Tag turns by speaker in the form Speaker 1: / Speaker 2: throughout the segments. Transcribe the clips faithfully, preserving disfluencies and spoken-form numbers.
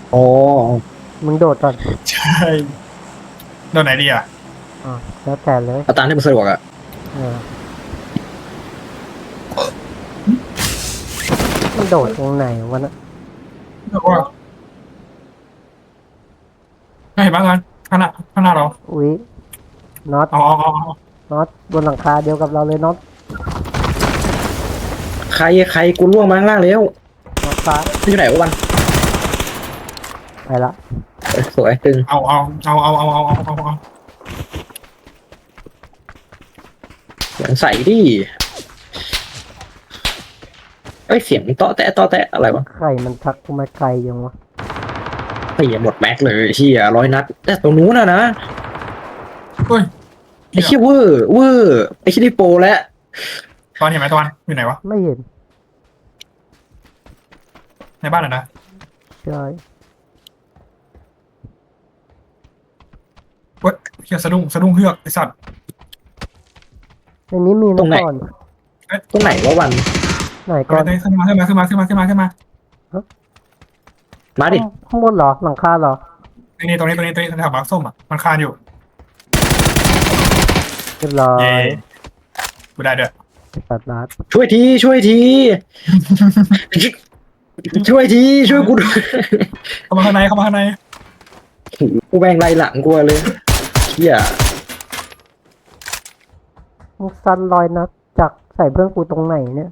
Speaker 1: อ๋อ
Speaker 2: มึงโดดก่อน
Speaker 3: ใช่โดนไหนดีอ่ะ
Speaker 2: อ่าแล้วแต่เลย
Speaker 1: เอาตามที่มันสะดวกอะ
Speaker 2: เออมันโดดตรงไหนวะนะ
Speaker 3: บอกว่าไม่เห็นบ้างกันข้างหน้าข้างหน้าเรา
Speaker 2: อุ๊ยน็อต
Speaker 3: เอาเอาเอาเอา
Speaker 2: น็อตบนหลังคาเดียวกับเราเลยน็อต
Speaker 1: ใครใครกูล่วงมาข้างล่างแล้ว
Speaker 2: น็อตฟ้า
Speaker 1: มันอยู่ไหนวะวัน
Speaker 2: ไปละ
Speaker 1: เอ้ยสวยตึง
Speaker 3: เอาเอาเอาเอาเอาเอาเอาเอาเอา
Speaker 1: เสียงใส่ดิเอ้ยเสียงเตาะแตะเตาะแตะอะไรวะ
Speaker 2: ใครมันทักกูมาไกลยังวะ
Speaker 1: ไอ้เหี้ยหมดแม็กเลยเชี่ยร้อยนัดแต่ตรงนู้นนะนะ
Speaker 3: เฮ้ย
Speaker 1: ไอ้เชี่ยเวอร์เวอร์ไอ้เชี่ยนี่โปรแล้ว
Speaker 3: ตอนเห็นไหมตอนอยู่ไหนวะ
Speaker 2: ไม่เห็น
Speaker 3: ในบ้านเหรอนะ
Speaker 2: ใช่
Speaker 3: เฮ้ยเฮียสะดุ้งสะดุ้งเฮือกไอสัตว์
Speaker 2: ในนี้มี
Speaker 1: ตร
Speaker 2: นะ
Speaker 1: งไหน
Speaker 2: ก่อน
Speaker 1: ตรงไหนวะวัน
Speaker 2: ไหนก่อน
Speaker 3: ขึ้นมาขึ้นมาขึ้นมาขึ้นมาขึ้นมาขึ้นมา
Speaker 1: มาดิ
Speaker 2: ข้างบนเหรอหลังคาเหรอ
Speaker 3: นี่นี่ตรงนี้ตรงนี้ตรงนี้แถวบักส้มอ่ะมันคานอยู่
Speaker 2: เรียบร้อ
Speaker 3: เย่
Speaker 2: ย
Speaker 3: กูได้เด้อ
Speaker 2: ตัดรัด
Speaker 1: ช่วยทีช่วยที ช่วยทีช่วยกูด้วย
Speaker 3: เข้ามาข้างในเข้ามาข้างใน
Speaker 1: กูแบงไล่หลังกูเลยเชี่ย
Speaker 2: มึงซันลอยนัดจากใส่เพื่อนกูตรงไหนเนี่ย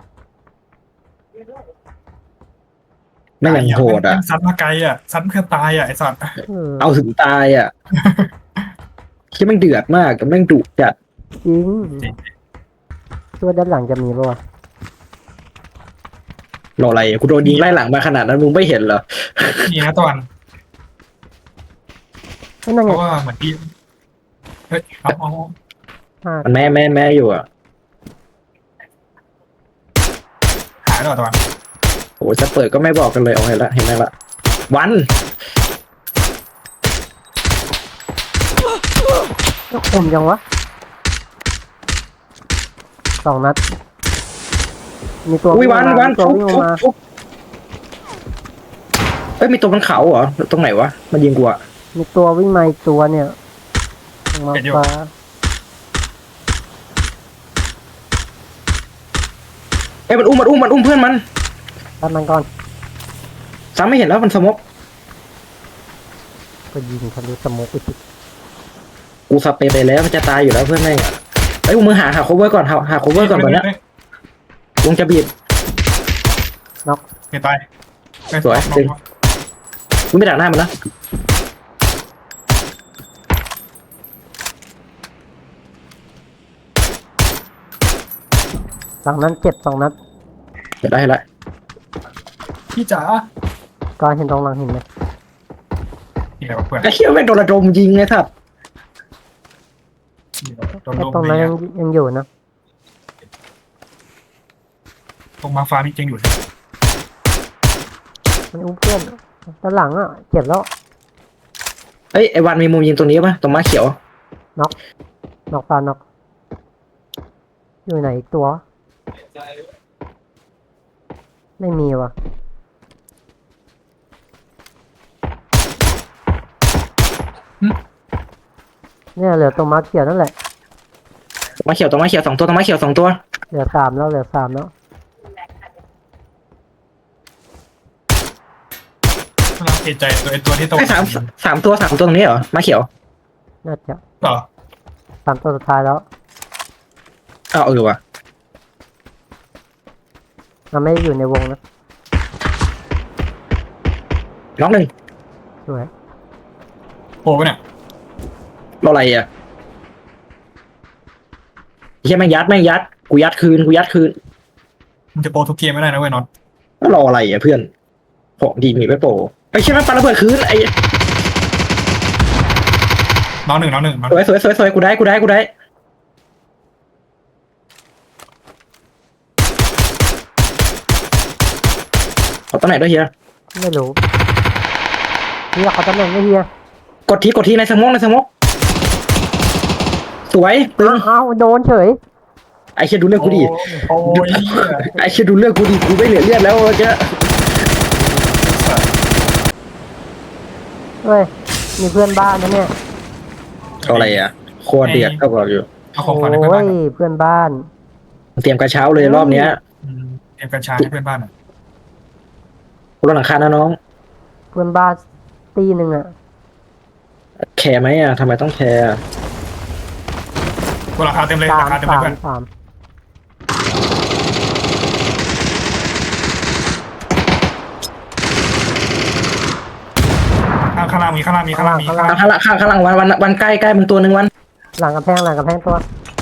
Speaker 1: ไม่ยังโหดอ่ะ
Speaker 3: ซัดมาไกลอ่ะซัดเพื่อตายอ่ะไอสัตว์
Speaker 2: เออ
Speaker 1: เอาถึงตายอ่ะคิดแม่งเดือดมากกับแม่งดุจัด
Speaker 2: จริงตัวด้านหลังจะมีป่าวะ
Speaker 1: รออะไรกูโดนยิงไล่หลังมาขนาดนั้นมึงไม่เห็นเหรอ
Speaker 3: นี่นะตอน
Speaker 2: นั่นไง
Speaker 3: เพราะว่าเหมือนที่เฮ้ยเอาเอา
Speaker 2: ห้า
Speaker 1: มันแม่แม่แม่อยู่อ่ะ
Speaker 3: หายแล้วตอน
Speaker 1: โอ้จะเปิดก็ไม่บอกกันเลยเอาเห็นละเห็นไหมละวัน
Speaker 2: ก็คมยังวะสองนัดมีตัว
Speaker 1: อุ้ย
Speaker 2: วิ่ง
Speaker 1: วัน
Speaker 2: มา
Speaker 1: วัน
Speaker 2: มีตัว
Speaker 1: ฟุก
Speaker 2: วิ่ง
Speaker 1: ฟุก
Speaker 2: มา
Speaker 1: ฟุกเอ้ยมีตัวบนเขาเหรอตรงไหนวะมันยิงกูอ่ะ
Speaker 2: มีตัววิ่งมาอีกตัวเนี่ยลงมาฟ้า
Speaker 1: เอ้ยมันอุ้มมันอุ้มมันอุ้มเพื่อนมัน
Speaker 2: ตัดมันก่อน
Speaker 1: ซ้ำไม่เห็นแล้วมันสมบ
Speaker 2: ก็ยิงทะลุสโมกไปติด
Speaker 1: กูสเปรย์ไปแล้วมันจะตายอยู่แล้วเพื่อนแม่งอ่ะเอ้ยมึงหาหา cover ก่อนหาหา cover ก่อนตอนเนี้ยวงจะบีบ
Speaker 2: น็อก
Speaker 3: เห็นตาย
Speaker 1: สวยจริง กูไม่ดักหน้ามันนะ
Speaker 2: หลังนั้นเจ็บสองนัด
Speaker 1: เดี๋ยวได้ละ
Speaker 3: พี่จ๋า
Speaker 2: ก็เห็นตรงหลังเห็นไหม
Speaker 3: นี่แหละเพื่อน
Speaker 1: ไอ้เหี้ยแม่งโดนระดมยิงไงครับ
Speaker 3: โดน
Speaker 2: ไอ้
Speaker 3: ลม
Speaker 2: ตรง
Speaker 3: เล
Speaker 2: นั้น
Speaker 3: ย
Speaker 2: ยังยังอยู่นะ
Speaker 3: ตรงมาฟ้ามีจริงอยู่
Speaker 2: มันอุ้มเพื่อนด้านหลังอ่ะเจ็บแล้ว
Speaker 1: เอ้ยไอ้วันมีมุมยิงตรงนี้ป่ะตรงม้าเขียว
Speaker 2: น็อกน็อกปลาน็อกอยู่ไหนอีกตัว ไม่มีว่ะเนี่ยเหลือตัวมาร์คเขียวนั่นแหละ
Speaker 1: ม้าเขียวตรงม้าเขียวสองตัวตรงม้าเขียวสองตัว
Speaker 2: เหลือสามแล้วเหลือสามแล้ว
Speaker 3: เราเอะใจตัวไอตัวที่โต
Speaker 1: ไอ้สามสามตัวสามตัวตรงนี้เหรอม้าเขียว
Speaker 2: น่าจะ
Speaker 3: เหรอ
Speaker 2: สามตัวสุดท้ายแล้ว
Speaker 1: อ้าวเออว่ะ
Speaker 2: มันไม่ได้อยู่ในวงนะ
Speaker 1: น้องหนึ่ง
Speaker 2: สวย
Speaker 3: โผล่ไปเนี่ย
Speaker 1: รออะไรอ่ะเฮียแม่งยัดแม่งยัดกูยัดคืนกูยัดคืน
Speaker 3: มันจะโปรทุกเกมไม่ได้นะเว้ยน็อต
Speaker 1: แล้วรออะไรอ่ะเพื่อนของดีมีไม่โปรไอ้เชี่ยแม่งปาระเบิดคืนไอ้
Speaker 3: น้องหนึ่งน้องหนึ่ง
Speaker 1: สวยสวยสวยสวยกูได้กูได้กูได้เอาตัวไหนด้วยเฮีย
Speaker 2: ไม่รู้เฮียเขาตำแหน่งไม่เฮีย
Speaker 1: กดทีกดทีในสมองในสมองสวยตึง
Speaker 2: อ้าวโดนเฉย
Speaker 1: ไอ้เชี่ยดูเรื่องกูดิ
Speaker 3: โอ้ย
Speaker 1: ไอ้เชี่ยดูเรื่องกูดิกูไม่เหลือเลือดแล้วเจ้า
Speaker 2: เฮ้ยมีเพื่อนบ้านนะเนี่ย
Speaker 1: เอาอะไรอ่ะโคตรเดือดเท่ากับอยู่
Speaker 3: เอาของขวัญให้เพื่อน
Speaker 2: โอ้
Speaker 3: บ้าย นหน่อย
Speaker 2: เพื่อนบ้าน
Speaker 1: เตรียมกระเช้าเลยรอบเนี้ย
Speaker 3: อืมเตรียมกัญชาให้เพื่อนบ้านหน่อย
Speaker 1: รถหลังคานะน้อง
Speaker 2: เพื่อนบ้านตีหนึ่งอะ
Speaker 1: แคร์ไหมอ่ะทำไมต้องแคร์อะ
Speaker 3: ตัวราคาเต็มเลย
Speaker 2: สาม
Speaker 3: ราคาเต็มเล
Speaker 2: สาย ม
Speaker 3: เพื่อน
Speaker 2: สาม
Speaker 3: ข้างข้างล่างมีข้างล่างมีข้างล่างมีข้างล่าง
Speaker 1: ข้างหลังข้างข้างหลังวันวันวันใกล้ใกล้มึงตัวหนึ่งวัน
Speaker 2: หลังกระแพงหลังกระแพงตัว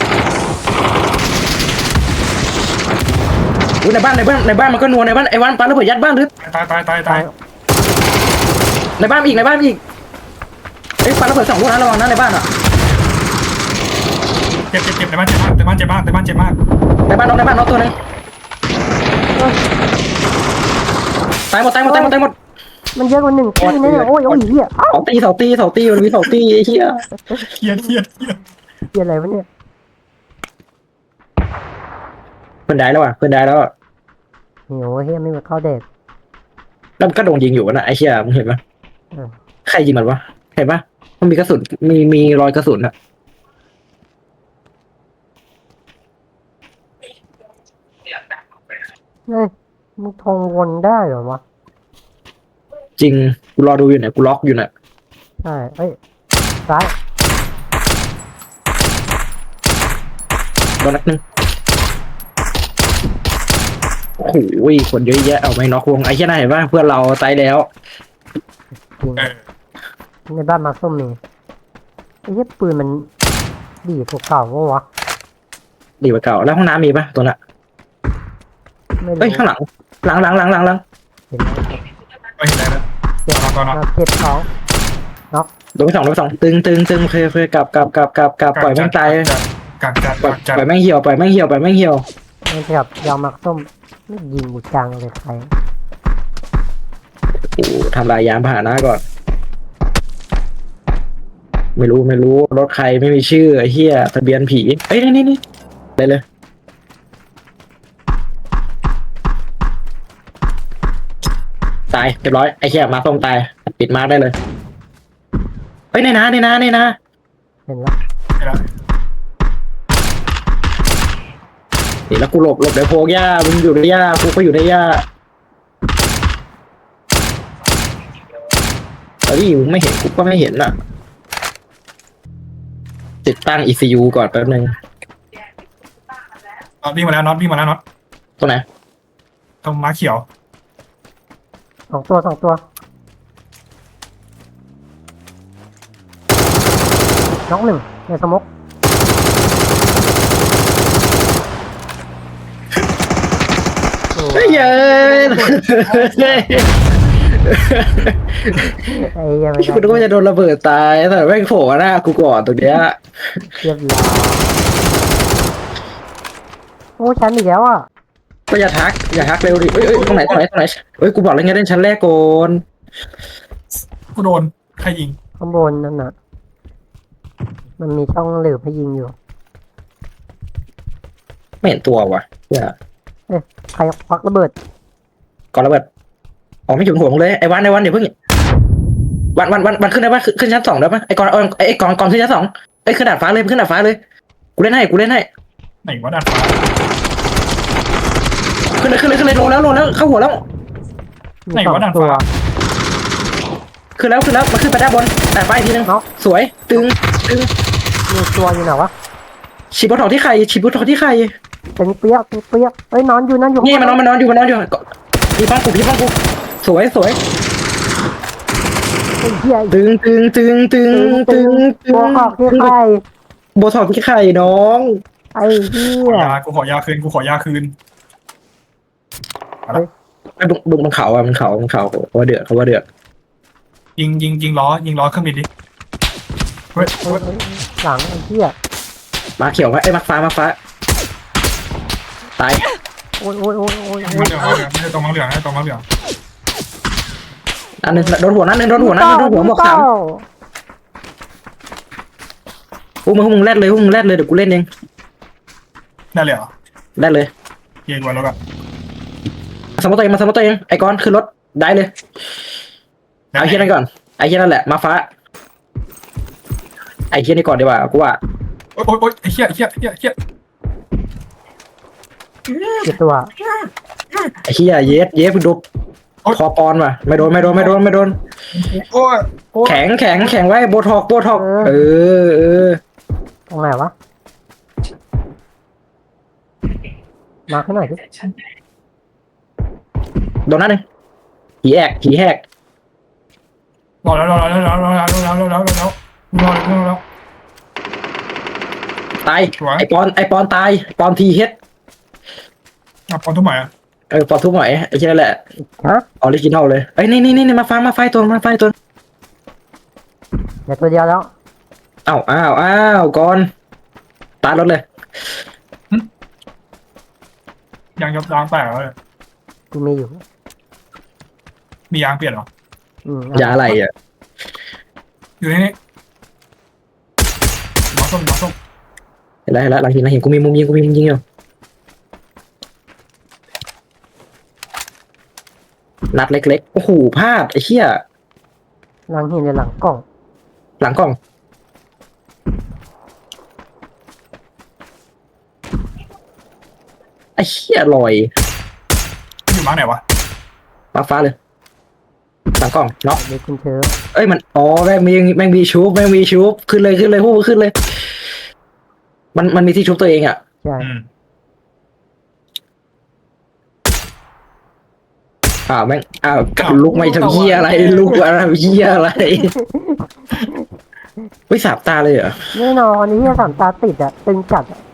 Speaker 1: อุ้ยในบ้านในบ้านในบ้านมันก็นัวในบ้านไอ้วันปาระเบิดยัดบ้านหรือ
Speaker 3: ตายตายตายตาย
Speaker 1: ในบ้านมีอีกในบ้านมีอีกเอ้ยปาระเบิดสองลูกนะระวังนะในบ้านอ่ะ
Speaker 3: เจ็บเจ็บเจ็บในบ้านเจ็บมากในบ้านเจ็บมากในบ้านเจ็บมาก
Speaker 1: ในบ้านน้องในบ้านน้องตัวหนึงตายหมดตายหมดตายหมดตายหมด
Speaker 2: มันเยอะกว่าหนึ่งตีนะเนี่ยโอ้ยโอ้ยเหี้ยเอ้า
Speaker 1: สองตีสองตีสองตีมันมีสองตีไอ้เหี้ย
Speaker 3: เครียดเครียดเครียด
Speaker 2: เหี้ยอะไรวะเนี่ย
Speaker 1: เพื่อนได้แล้วอ่ะเพื่อนได้แล้วอ่ะ
Speaker 2: หิวเฮียไม่มาเข้าเด็ก
Speaker 1: แล้วมันก็โดนยิงอยู่นะไอ้เหี้ยมึงเห็นปะ
Speaker 2: เออ
Speaker 1: ใครยิงมันวะเห็นปะมันมีกระสุนมีมีรอยกระสุนอ่ะ
Speaker 2: เฮ้ยมึงทงวนได้เหรอวะ
Speaker 1: จริงกูรอดูอยู่เนี่ยกูล็อกอยู่เนี่ย
Speaker 2: ใช่เอ้ยซ้าย
Speaker 1: โดนนัดหนึงโอ้โหคนเยอะแยะเอาไม่น็อกวงไอ้เหี้ยน่าเห็นปะเพื่อนเราตายแล้ว
Speaker 2: จริง
Speaker 3: เออ
Speaker 2: ในบ้านมาส้มมีไอ้เหี้ยปืนมันดีกว่าเก่าวะวะ
Speaker 1: ดีกว่าเก่าแล้วห้องน้ำมีปะตัวน่ะ
Speaker 2: ไม่รู้
Speaker 1: เฮ้ยข้างหลังหลังหลังหลังหลังหลัง
Speaker 2: เห็นแล้ว
Speaker 3: ไม่เห็นอะไรแล้ว
Speaker 2: เจ็บ
Speaker 3: เอาก่อนเอา
Speaker 2: มาเจ็บสอง
Speaker 1: โดนไปสองโดนไปสองตึงตึงตึงเคยเคยกลับกลับกลับกลับกลับปล่อยแม่งตาย
Speaker 3: กักจัด
Speaker 1: ปล่อย
Speaker 3: กักจัด
Speaker 1: ปล่อยแม่งเหี่ยวปล่อยแม่งเหี่ยวปล่อยแม่งเหี่ยว
Speaker 2: มันกับยาวมักส้มไม่ยิงกูจังเลยใคร
Speaker 1: โอ้โหทำลายยานพาหนะก่อน ไม่รู้ไม่รู้รถใครไม่มีชื่อไอ้เหี้ยทะเบียนผีเอ้ยนี่นี่นี่เลยเลยตายเรียบร้อยไอ้เหี้ยมาส้มตายปิดมาร์กได้เลยเฮ้ยในนาในนาในนา
Speaker 2: เห็นแล้ว
Speaker 3: เห็นแล้ว
Speaker 1: นี่แล้วกูหลบหลบเดี๋ยวโพกหญ้ามึงอยู่ในหญ้ากูก็อยู่ในหญ้าเฮ้ยมึงไม่เห็นกูก็ไม่เห็นน่ะ ติดตั้ง อี ซี ยู ก่อนแป๊บนึง
Speaker 3: น็อตวิ่งมาแล้วน็อตวิ่งมาแล้วน็อต
Speaker 1: ตัวไหน
Speaker 3: ตรงม้าเขียว
Speaker 2: สองตัวสองตัวน้องหนึ่งในสมก
Speaker 1: เฮ้ยเย้ย
Speaker 2: ไอ้ยังไม่
Speaker 1: กูนึกว่าจะโดนระเบิดตายแต่แม่งโผล่หน้ากูก่อนตรงเนี้ย
Speaker 2: เรียบร้อยโอ้ชั้นอีกแล้วอ่ะ
Speaker 1: ก็อย่าทักอย่าทักเร็วดิเอ้ยเอ้ยตรงไหนตรงไหนตรงไหนเอ้ยกูบอกแล้วไงเล่นชั้นแรกก่อน
Speaker 3: กูโดนใครยิง
Speaker 2: ข้างบนนั่นน่ะ มันมีช่องเหลือให้ยิงอยู่
Speaker 1: ไม่เห็นตัวว่ะเนี่ย
Speaker 2: เอ๊ะใครควักระเบิด
Speaker 1: ก่อนระเบิดอ๋อไม่ถึงหัวมึงเลยไอ้วันไอ้วันเดี๋ยวเพิ่งวันวันวันวันขึ้นได้ปะขึ้นชั้นสองได้ปะไอ้กอนเอาไอ้กอนกอนขึ้นชั้นสองไอ้ยขึ้นดาดฟ้าเลยขึ้นดาดฟ้าเลยกูเล่นให้กูเล่นให้
Speaker 3: ไหนวะดาดฟ้า
Speaker 1: ขึ้นเลยขึ้นเลยขึ้นเลยลงแล้วลงแล้วเข้าหัวแล้ว
Speaker 2: มี
Speaker 3: ไหน
Speaker 2: สอง
Speaker 3: วะดาด
Speaker 2: ตัว
Speaker 3: ฟ้า
Speaker 1: ขึ้นแล้วขึ้นแล้วมันขึ้นไปด้านบนดาดฟ้าอีกทีนึง
Speaker 2: เนาะ
Speaker 1: สวยตึงตึง
Speaker 2: มีตัวอยู่ไหนวะ
Speaker 1: ฉีดบอทอกที่ใครฉีดบอทอกที่ใคร
Speaker 2: เป็นเปียกเป็นเปียกเอ้ยนอนอยู่นั่นอยู่
Speaker 1: นี่มันนอนมันนอนอยู่มันนอนอยู่พี่ฟังกูพี่ฟังกูสวยสวย
Speaker 2: ไอ้เหี้ย
Speaker 1: ตึงตึงตึงตึงตึงตึ
Speaker 2: ตัว
Speaker 1: ง
Speaker 2: ออกที่ใคร
Speaker 1: โบทอกที่ใครน้อง
Speaker 2: ไอ้เหี้
Speaker 3: ขอย ยากูขอยาคืนกูขอยาคืน
Speaker 1: ไอ้ดุดุมันเขาอ่ะมันเขามันเขาเขาว่าเดือดเขาว่าเดือด
Speaker 3: ยิงยิงยิงล้อยิงล้อเครื่องบินดิเฮ้ย
Speaker 2: เอ้ยเอ้ยหลังไอ้เหี้ย
Speaker 1: มาเขียวไว้ไอ้มาฟ้ามาฟ้าตาย
Speaker 2: โอ้ยโอ้ยโอ้ยโอ้ย
Speaker 3: ม้า
Speaker 2: โอ้ย
Speaker 3: เหลืองม้าเหลืองไม่ใช่ตรงม้าเหลืองไม่ใช่ตรงม้าเหลือง
Speaker 1: อันนึงโดนหัวนั่นนึงโดนหัวนั่นโดนหัวหมวกสามพวกมึงพวกมึงแรดเลยพวกมึงแรดเลยเดี๋ยวกูเล่นเอง
Speaker 3: ได้เลยเหรอ
Speaker 1: แรดเลย
Speaker 3: เย็นกว่าแล้วแบบ
Speaker 1: สมมติตัวเองมาสมมติตัวเองไอ้กอนขึ้นรถได้เลยเอาเฮียนั่นก่อนไอ้อ้เหี้ยนั่นแหละมาฟ้าไอ้เหี้ยนี่ก่อนดีกว่ากูว่า
Speaker 3: โอ๊ยโอ๊ยโอ๊ยไอ้เหี้ยไอ้เหี้ยไอ้เหี้ยไอ้เหี้ย
Speaker 2: เจ็บตัว
Speaker 1: ไอ้เหี้ยเยสเยสมึงดูคอปอนว่ะไม่โดนไม่โดนไม่โดนไม่โดน
Speaker 3: โอ้ยโอ้ย
Speaker 1: แข็งแข็งแข็งไว้โบทอกโบทอกเออเออ
Speaker 2: ตรงไหนวะมาขึ้นหน่อยดิ
Speaker 1: โดนนั่นหนึ่งผีแอกผีแหก
Speaker 3: รอแล้วรอแล้วรอแล้วรอแล้วรอแล้วรอแล้วรอแล้วรอแล้วรอแล้ว
Speaker 1: ตาย
Speaker 3: สวย
Speaker 1: ไอปอนไอปอนตายปอนทีเฮด
Speaker 3: อ่ะพร้อมทุกหมายอ่ะ
Speaker 1: เออปอนทุบหน่อยไอ้เหี้ยนั่นแหละ
Speaker 2: ฮะ
Speaker 1: ออริจินอลเลยเอ้ยนี่นี่นี่มาฟังมาไฟตัวมาไฟตัว
Speaker 2: เดี๋ยวตัวเดียวแล้ว
Speaker 1: อ้าวอ้าวอ้าวก่อนตายรถเลย
Speaker 3: ยางยับยางแตกแล้วเลย
Speaker 2: กูมีอยู่
Speaker 3: มียางเปลี่ยนเหรอ
Speaker 2: อืม
Speaker 1: ยาอะไรอ่ะ
Speaker 3: อยู่ในนี้น้องส้มน้องส้ม
Speaker 1: เห็นแล้วเห็นแล้วหลังหินหลังหินกูมีมุมยิงกูมีมุมยิงอยู่นัดเล็กๆโอ้โหพลาดไอ้เหี้ย
Speaker 2: หลังหินในหลังกล่อง
Speaker 1: หลังกล้องไอ้เหี้ยลอย
Speaker 3: อยู่มาไหนวะ
Speaker 1: มาฟ้าเลยหลังกล้องเนาะ
Speaker 2: เดี๋ยวคุณเธอ
Speaker 1: เอ้ยมันอ๋อแม่งมีแม่งมีชูบแม่งมีชูบขึ้นเลยขึ้นเลยพวกมึงขึ้นเลย มันมันมีที่ชุบตัวเองอ่ะ
Speaker 2: ใช่
Speaker 3: อืม
Speaker 1: อ้าวแม่งอ้าวลุกไม่ทำเหี้ยอะไรลุกอะไรเหี้ยอะไรวิสาบตาเลยเหรอ
Speaker 2: แน่นอนนี่ที่สามตาติดอะตึงจัดอะ